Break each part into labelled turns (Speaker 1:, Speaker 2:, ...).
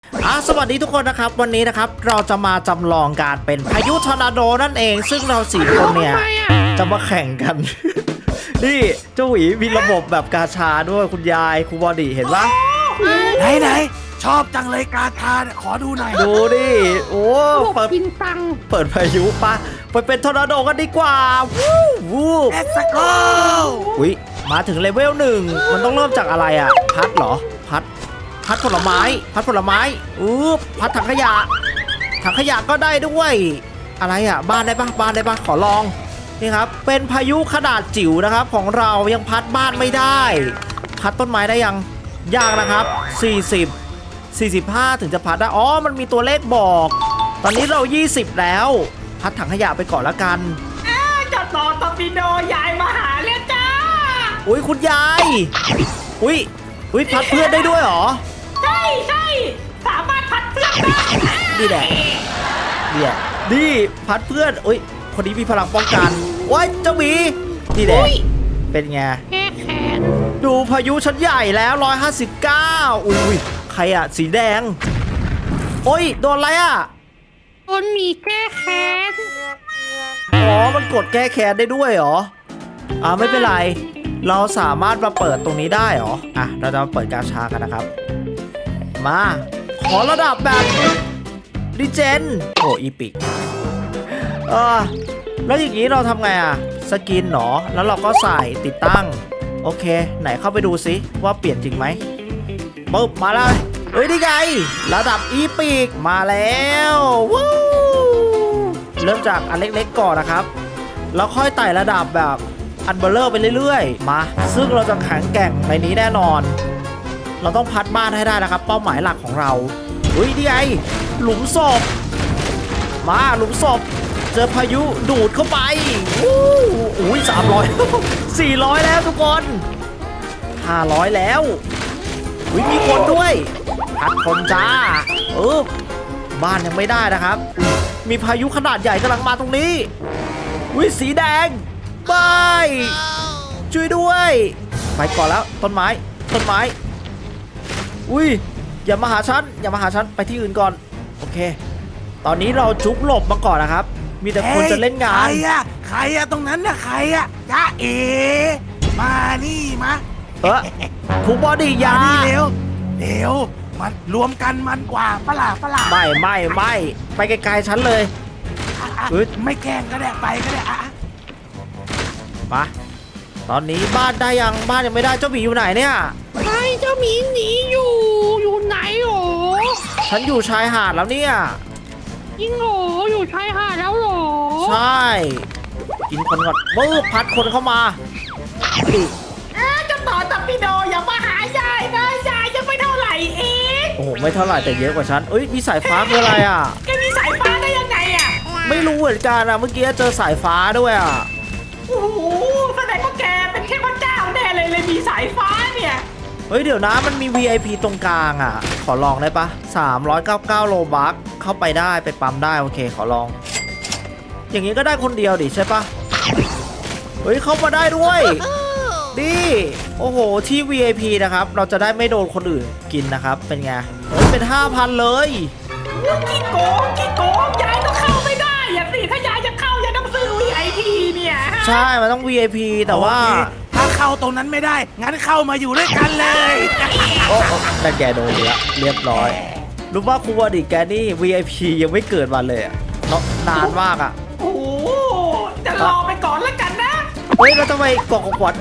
Speaker 1: สวัสดีทุกคนนะครับวันนี้นะครับเราจะมาจำลองการเป็นพายุทอร์นาโดนั่นเองซึ่งเราสี่คนเนี่ยจะมาแข่งกัน นี่เจ้าหวีมีระบบแบบกาชาด้วยคุณยายครูบอดี้เห็นปะ
Speaker 2: ไหนชอบจังเลยกาชาเนี่ยขอดูหน่อย
Speaker 1: ดูดิโอ้เปิด
Speaker 3: กินตัง
Speaker 1: เปิดพายุปะไปเป็นทอร์นาโดกันดีกว่าวู้
Speaker 2: Let's go
Speaker 1: อุ๊ยมาถึงเลเวล1มันต้องเริ่มจากอะไรอ่ะพัดเหรอพัดผลไม้พัดถังขยะก็ได้ด้วยอะไรอ่ะบ้านได้ปะขอลองนี่ครับเป็นพายุขนาดจิ๋วนะครับของเรายังพัดบ้านไม่ได้พัดต้นไม้ได้ยังนะครับ45ถึงจะพัดได้มันมีตัวเลขบอกตอนนี้เรา20แล้วพัดถังขยะไปก่อนละกัน
Speaker 3: จะต่อตอร์ปิโดยายมาหาแล้วจ้า
Speaker 1: อุ๊ยคุณยายอุ๊ยพัดเพื่อนได้ด้วยเหรอ
Speaker 3: ใช่สามารถพัดเพื่อนได้
Speaker 1: ดีแหละนี่พัดเพื่อนอุ๊ยคนนี้มีพลังป้องกันว้ายเจ้าหมีดีแหละเป็นไง
Speaker 3: แก้แค้น
Speaker 1: ดูพายุชั้นใหญ่แล้ว159อุ้ยใครอะสีแดงโอ้ยโดนอะไรอะ
Speaker 3: โดนหมีแก้แค้น
Speaker 1: มันกดแก้แค้นได้ด้วยเหรอไม่เป็นไรเราสามารถมาเปิดตรงนี้ได้เหรอเราจะมาเปิดกาชากันนะครับมาขอระดับแบบดิเจนอีพิกแล้วอย่างนี้เราทำไงสกินหรอแล้วเราก็ใส่ติดตั้งโอเคไหนเข้าไปดูซิว่าเปลี่ยนจริงไหมปึ๊บมาเลยนี่ไงระดับอีพิกมาแล้ววู้เริ่มจากอันเล็กๆก่อนนะครับแล้วค่อยไต่ระดับแบบอันเบลเลอร์ไปเรื่อยๆมาซึ่งเราจะแข็งแกร่งในนี้แน่นอนเราต้องพัดบ้านให้ได้นะครับเป้าหมายหลักของเรานี่ไงหลุมศพมาหลุมศพเจอพายุดูดเข้าไป300 400แล้วทุกคน500แล้วมีคนด้วยพัดคนจ้าบ้านยังไม่ได้นะครับมีพายุขนาดใหญ่กำลังมาตรงนี้สีแดงไปช่วยด้วยไปก่อนแล้วต้นไม้อย่ามาหาฉันไปที่อื่นก่อนโอเคตอนนี้เราจุกหลบมาก่อนนะครับมีแต่คนจะเล่นงาน
Speaker 2: ใครอะตรงนั้นน่ะใครอะจ้ามานี่มา
Speaker 1: ครูบอดี้ยา
Speaker 2: เร็วมันรวมกันมันกว่าปะล่ะ
Speaker 1: ไม่ไปไกลๆฉันเลย
Speaker 2: ไม่แกล้งก็ได้ไปก็ได้
Speaker 1: มาตอนนี้บ้านได้ยังบ้านยังไม่ได้เจ้าหมีอยู่ไหนเนี่ย
Speaker 3: เจ้าหมีหนีอยู่ไหนหรอ
Speaker 1: ฉันอยู่ชายหาดแล้วเนี่ย
Speaker 3: จริงหรออยู่ชายหาดแล้วหรอ
Speaker 1: ใช่กินคนก่อนพัดคนเข้ามา
Speaker 3: จะต่อตอร์ปิโดอย่ามาหายายนะยายยังไม่เท่าไหร่เอง
Speaker 1: ไม่เท่าไหร่แต่เยอะกว่าฉันมีสายฟ้าคืออะไร
Speaker 3: แกมีสายฟ้าได้ยังไง
Speaker 1: ไม่รู้เหมือนกันเมื่อกี้เจอสายฟ้าด้วย
Speaker 3: โอ้โหแสดงว่าแกเป็นแค่พระเจ้าแน่เลยมีสายฟ้าเนี่ย
Speaker 1: เดี๋ยวนะมันมี VIP ตรงกลางขอลองได้ปะ399โลบัคเข้าไปได้ไปปั๊มได้โอเคขอลองอย่างนี้ก็ได้คนเดียวดิใช่ปะเข้ามาได้ด้วยดิโอ้โหที่ VIP นะครับเราจะได้ไม่โดนคนอื่นกินนะครับเป็นไงเป็น 5,000 เลย
Speaker 3: กี่โกงยายก็เข้าไม่ได้สิถ้ายายจะเข้ายายต้องซื้อ VIP เนี่ย
Speaker 1: ใช่มันต้อง VIP แต่ว่า
Speaker 2: ถ้าเข้าตรงนั้นไม่ได้งั้นเข้ามาอยู่ด้วยกันเลย
Speaker 1: แต่แกโดนแล้วเรียบร้อยรู้ว่าครูบอดี้แกนี่ VIP ยังไม่เกิดมาเลยนานมาก
Speaker 3: โอ้จะรอไปก่อนแล้วกันนะ
Speaker 1: แล้วทำไมกล่องของขวัญ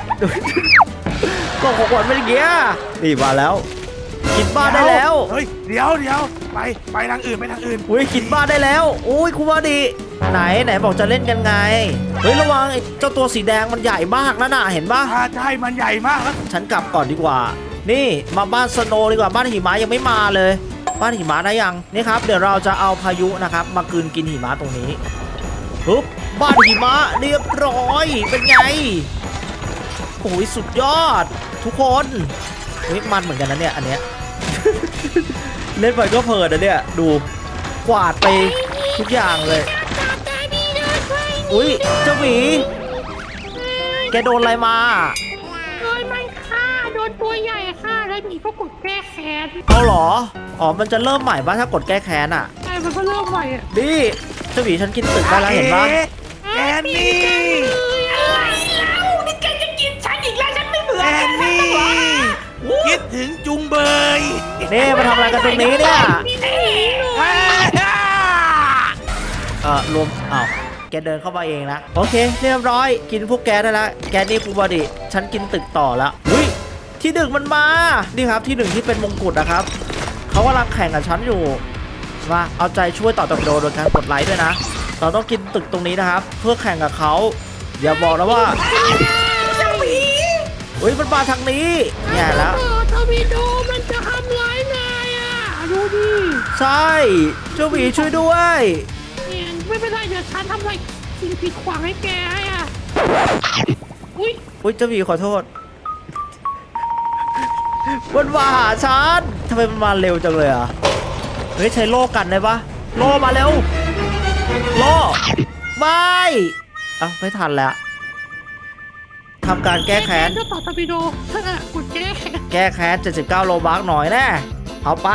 Speaker 1: เป็นอย่างเงี้ยนี่มาแล้วกินบ้านได้แล้ว
Speaker 2: เดี๋ยวไปทางอื่น
Speaker 1: กินบ้านได้แล้วครูบอดี้ไหนบอกจะเล่นกันไงระวังไอ้เจ้าตัวสีแดงมันใหญ่มากนะเห็นปะ
Speaker 2: ใช่มันใหญ่มากแล้ว
Speaker 1: ฉันกลับก่อนดีกว่านี่มาบ้านสโนว์ดีกว่าบ้านหิมะยังไม่มาเลยบ้านหิมะได้ยังนี่ครับเดี๋ยวเราจะเอาพายุนะครับมากลืนกินหิมะตรงนี้ปุ๊บบ้านหิมะเรียบร้อยเป็นไงสุดยอดทุกคนมันเหมือนกันนะเนี่ยอันเนี้ย เล่นไปก็เพลินนะเนี่ยดูกวาดไปทุกอย่างเลยเจ้าหมีแกโดนอะไรมา
Speaker 3: โดนมันฆ่าโดนตัวใหญ่ฆ่าแล้ว
Speaker 4: มีก็กดแก้แค้น
Speaker 1: เอาเหรออ๋อมันจะเริ่มใหม่ป่ะถ้ากดแก้แค้นอ่ะ
Speaker 4: ใช่มันก็เริ่มใหม่อ่ะ
Speaker 1: ดิเจ้าหมีฉันกินตึกได้แล้วเห็นปะ
Speaker 2: แอนนี่
Speaker 3: อะไรเล่านี่แกจะกินฉันอีกแล้วฉันไม่เบื่อ
Speaker 2: แอนนี่
Speaker 3: วู้
Speaker 2: คิดถึงจุงเบย
Speaker 1: นี่มาทำอะไรกันตรงนี้เนี่ย
Speaker 2: อ่าร
Speaker 1: วมอ้าวแกเดินเข้ามาเองนะโอเคเรียบร้อยกินพวกแกได้แล้วแกนี่ฟูบอดี้ฉันกินตึกต่อแล้วอุ้ยที่หนึ่งมันมานี่ครับที่หนึ่งที่เป็นมงกุฎนะครับเขากำลังแข่งกับฉันอยู่มาเอาใจช่วยต่อตบโดโดยการกดไลค์ด้วยนะเราต้องกินตึกตรงนี้นะครับ เพื่อแข่งกับเขาอย่าบอกนะว่าอุ้ยมันมาทางนี้แย่แล้ว
Speaker 4: ทวีโดมันจะทำร้ายนายอ่ะดูดิ
Speaker 1: ใช่เจ้าหมีช่วยด้วย
Speaker 4: เนี่ยไม่เป็นไรเดี๋ยวฉันทำอะไรสิ่งผิดขวางให้แกให้อ่ะอุ้ย
Speaker 1: อุ้ยเจ้าหมีขอโทษมันมาหาฉันทำไมมันมาเร็วจังเลยอ่ะเฮ้ยใช้โล่กันได้ปะโล่มาเร็วโล่ไม่เอ้าไม่ทันแล้วทำการแก้แค้น
Speaker 4: เจ้าต่อทวีโดเธอกดแก้แค้น
Speaker 1: แก้แค้น79โลบัคหน่อยแน่เอาไป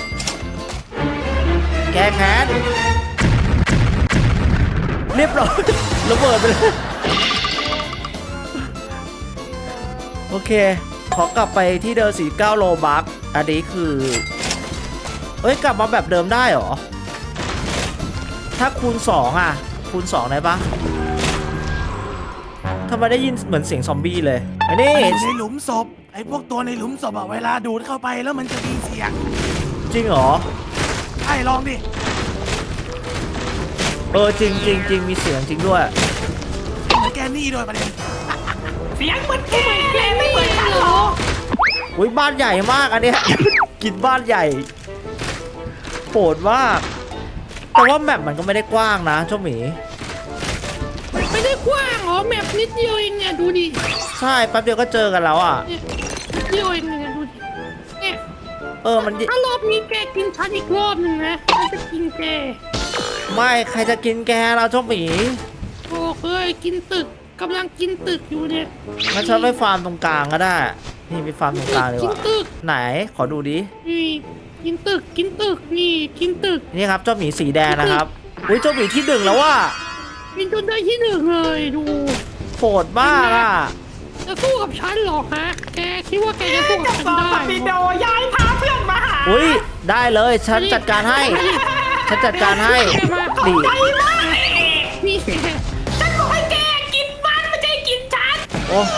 Speaker 1: แก้แค้นเรียบร้อยระเบิดไปเลยโอเคขอกลับไปที่เดิม49โลบัคอันนี้คือเอ้ยกลับมาแบบเดิมได้เหรอถ้าคูณ2อ่ะคูณ2ได้ปะทำไมได้ยินเหมือนเสียงซอมบี้เลยอันนี้
Speaker 2: อยู่ในหลุมศพไอ้พวกตัวในหลุมศพอะเวลาดูดเข้าไปแล้วมันจะมีเสียง
Speaker 1: จริงเหรอ
Speaker 2: ใช่ลองดิ
Speaker 1: จริงจริงจริงมีเสียงจริงด้วย
Speaker 2: เหมือนแกนี่ด้วยประเด็น
Speaker 3: เสียงเหมือนแกเลยไม่เหมือนฉันหรอก
Speaker 1: อุ้ยบ้านใหญ่มากอันเนี้ย กินบ้านใหญ่โหดมากแต่ว่าแมปมันก็ไม่ได้กว้างนะเจ้าหมี
Speaker 4: ไม่ได้กว้างเหรอแมปนิดเดียวเองเนี่ยดูดิ
Speaker 1: ใช่แป๊บเดียวก็เจอกันแล้วอ่ะ
Speaker 4: เนี่ยนิดเดียวเองเนี่ยดูดิเนี่ย
Speaker 1: มัน
Speaker 4: ถ้ารอบนี้แกกินฉันอีกรอบหนึ่งนะฉันจะกินแก
Speaker 1: ไม่ใครจะกินแกเราเจ้าหมี
Speaker 4: โอ้เคยกินตึกกำลังกินตึกอยู่เนี่ย
Speaker 1: งั้นฉันไปฟาร์มตรงกลางก็ได้ นี่ไปฟาร์มตรงกลางดีก
Speaker 4: กิน
Speaker 1: ว่า
Speaker 4: ตึก
Speaker 1: ไหนขอดูดิ
Speaker 4: นี่กินตึกกินตึกนี่กินตึก
Speaker 1: นี่ครับเจ้าหมีสีแดงนะครับอุ้ยเจ้าหมีที่หนึ่งแล้วว่า
Speaker 4: กินจนได้ที่หนึ่งเลยดู
Speaker 1: โหดมากอ่ะ
Speaker 4: จะสู้กับฉันเหรอฮะแกคิดว่าแกจะสู้กับ
Speaker 3: จะ
Speaker 4: ฉัน
Speaker 3: ต่อ
Speaker 4: ได้
Speaker 3: ตบิโดย้ายพาเพื่อนมาหา
Speaker 1: อุ้ยได้เลยฉันจัดการให้ฉันจัดการให้ดี
Speaker 3: ใจมาก
Speaker 4: นี่
Speaker 3: ฉันบอกให้แกกินมันไม่ใช่กินฉัน
Speaker 1: โอ้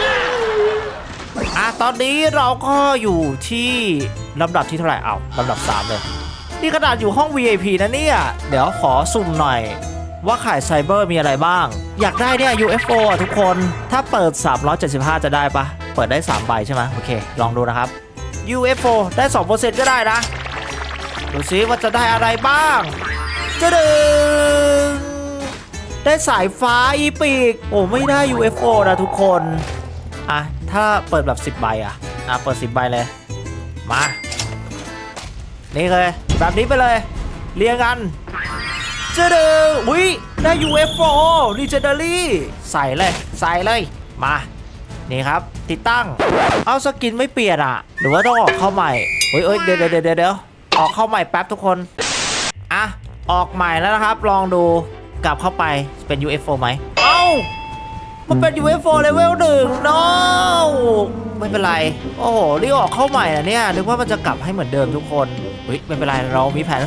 Speaker 1: ตอนนี้เราก็อยู่ที่ลำดับที่เท่าไหร่ลำดับ3เลยนี่ขนาดอยู่ห้อง VIP นะเนี่ยเดี๋ยวขอสุ่มหน่อยว่าขายไซเบอร์มีอะไรบ้างอยากได้เนี่ย UFO อ่ะทุกคนถ้าเปิด375จะได้ปะเปิดได้3ใบใช่ไหมโอเคลองดูนะครับ UFO ได้ 2% ก็ได้นะดูซิว่าจะได้อะไรบ้างจะดึงได้สายฟ้าอีปีกโอ้ไม่ได้ UFO นะทุกคนถ้าเปิดแบบ10ใบเปิด10ใบเลยมานี่เลยแบบนี้ไปเลยเรียงกันจะดึงอุ้ยได้ UFO Legendary ใส่เลยมานี่ครับติดตั้งเอาสกินไม่เปลี่ยนหรือว่าต้องออกเข้าใหม่เฮ้ยเดี๋ยวออกเข้าใหม่แป๊บทุกคนออกใหม่แล้วนะครับลองดูกลับเข้าไปเป็น UFO ไหมมันเป็น UFO level 1 no ไม่เป็นไรโอ้โหรีบออกเข้าใหม่นะเนี่ยนึกว่ามันจะกลับให้เหมือนเดิมทุกคนเฮ้ยไม่เป็นไรเรามีแผน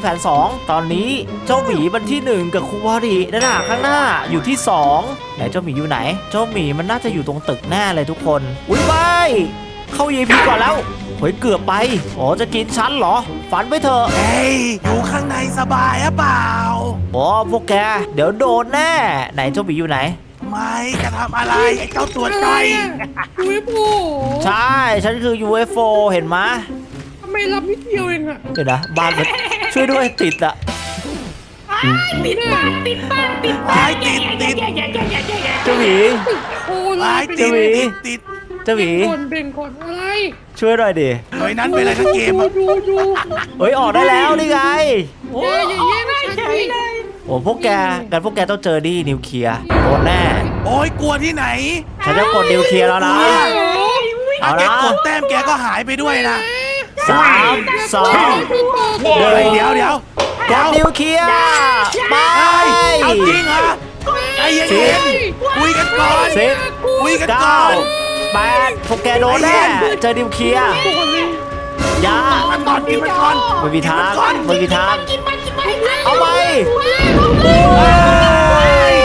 Speaker 1: 2ตอนนี้เจ้าหมีมันที่1กับครูบอดีนั่นข้างหน้าอยู่ที่2ไหนเจ้าหมีอยู่ไหนเจ้าหมีมันน่าจะอยู่ตรงตึกแน่เลยทุกคนอุ้ยไปเข้า EP ก่อนแล้วเฮ้ยเกือบไปจะกินฉันเหรอฝันไปเถอะ
Speaker 2: เฮ้ยอยู่ข้างในสบายหรือเปล่า
Speaker 1: พวกแกเดี๋ยวโดนแน่ไหนเจ้าหมีอยู่ไหน
Speaker 2: ไม่จะทำอะไรไอ้เจ้าตัวจ้อย
Speaker 4: ดูไอ้โบ
Speaker 1: ใช่ฉันคือ UFO เห็นไหม
Speaker 4: ทำไมรับนิดเดียวเองอะ
Speaker 1: เดี๋ยวนะบ้านมันช่วยด้วยติดอะ
Speaker 3: ติดบ้านติดบ้านติด
Speaker 2: ไอ้ติด
Speaker 1: เจ้าหมี
Speaker 4: โอ้เล
Speaker 2: ไอ้
Speaker 4: ย
Speaker 2: ติด
Speaker 1: ติด เจ้าหมี
Speaker 4: เบ่งก่อนอะไร
Speaker 1: ช่วยหน่อยดิ
Speaker 2: หน่วยนั้นเป็นอะไรทั้งเกมอะ
Speaker 4: ดู
Speaker 1: เฮ้ยออกได้แล้วนี่ไง
Speaker 3: โอ้
Speaker 4: อย่าแย่งฉัน
Speaker 3: เฉ
Speaker 4: ดิ
Speaker 3: ยเลย
Speaker 1: พวกแกต้องเจอดีนิวเคลียร์โดนแน่
Speaker 2: โอ้ยกลัวที่ไหน
Speaker 1: ฉันจะกดนิวเคลียร์แล้วนะ
Speaker 4: โอ้ย
Speaker 1: เอา
Speaker 2: แก
Speaker 1: ละ
Speaker 2: กดแต้มแกก็หายไปด้วยนะ
Speaker 1: 3 2
Speaker 2: เดี๋ยว
Speaker 1: กดนิวเคลียร์ไป
Speaker 2: เฮ้ยเอาจริงเหรอใจเย็นๆคุยกันก่อน
Speaker 1: สิบ
Speaker 2: คุยกันก่
Speaker 1: เก้า
Speaker 2: อน
Speaker 1: แปดพวกแกโดนแน่เจอนิวเคลียร์ยา
Speaker 2: มันก่อนกินมันก่อน
Speaker 1: ไม่มีทาง
Speaker 2: ก่อน
Speaker 1: ไม่มีทาง
Speaker 3: กินมัน
Speaker 1: เอาไป
Speaker 2: โอ้ย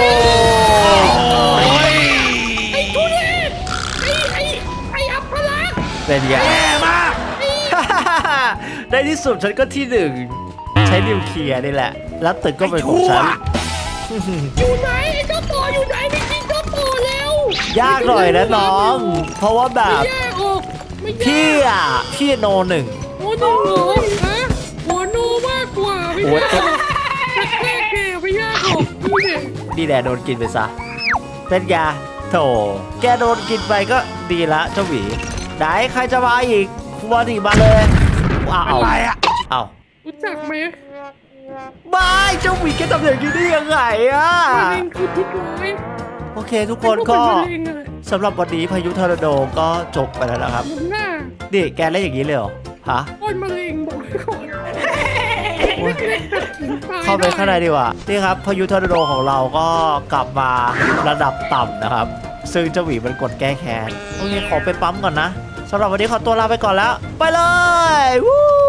Speaker 4: ไอ้อัปลักษณ์
Speaker 1: เป็นไง
Speaker 2: แย่มาก
Speaker 1: ในที่สุดฉันก็ที่หนึ่งใช้นิวเคลียร์นี่แหละ แล้วตึกก็เป็นของฉัน
Speaker 4: อยู่ไหนไอ้เจ้าต่ออยู่ไหนไปกินเจ้าต่อแล้ว
Speaker 1: ยากหน่อยนะน้อง เพราะว่าแบบ
Speaker 4: ไม่แย่ออกไม่แย่
Speaker 1: พี่โนหนึ่ง
Speaker 4: โอ้หนึ่งเหรอฮะหัวโนมากกว่าไม่
Speaker 1: โอ้
Speaker 4: แย่
Speaker 1: ย
Speaker 4: ออกแต่แค่แกไม่แย่ออกนี่เนี่ย
Speaker 1: นี่แหละโดนกินไปซะ เป็นไงโถแกโดนกินไปก็ดีละเจ้าหวีไหนใครจะมาอีกมาดิมาเลยอ้าว
Speaker 2: อะไรอ่ะ
Speaker 1: อ้าว
Speaker 4: รู้จักไหม
Speaker 1: บายเจ้าหวีแกทำอย่างนี้ได้ยังไงอะ
Speaker 4: มะเร็งคือพิษร้าย
Speaker 1: โอเคทุกคนก็
Speaker 4: เป็นมะเร็งอะ
Speaker 1: สำหรับวันนี้พายุทอร์นาโดก็จบไปแล้วนะครับ
Speaker 4: หนุนหน้า
Speaker 1: นี่แกเล่นอย่างนี้เลยเหรอฮะ
Speaker 4: โอ้ยมะเร็งบอกไว้ก่อน
Speaker 1: โอ๊ย
Speaker 4: ไม่ได้ตัดสินตย
Speaker 1: เข้าไปข้างในดีกว่านี่ครับพายุทอร์นาโดของเราก็กลับมาระดับต่ำนะครับ ซึ่งเจ้าหวีมันกดแก้แค้นโอเคขอไปปั๊มก่อนนะสำหรับวันนี้ขอตัวลาไปก่อนแล้ว ไปเลยวู้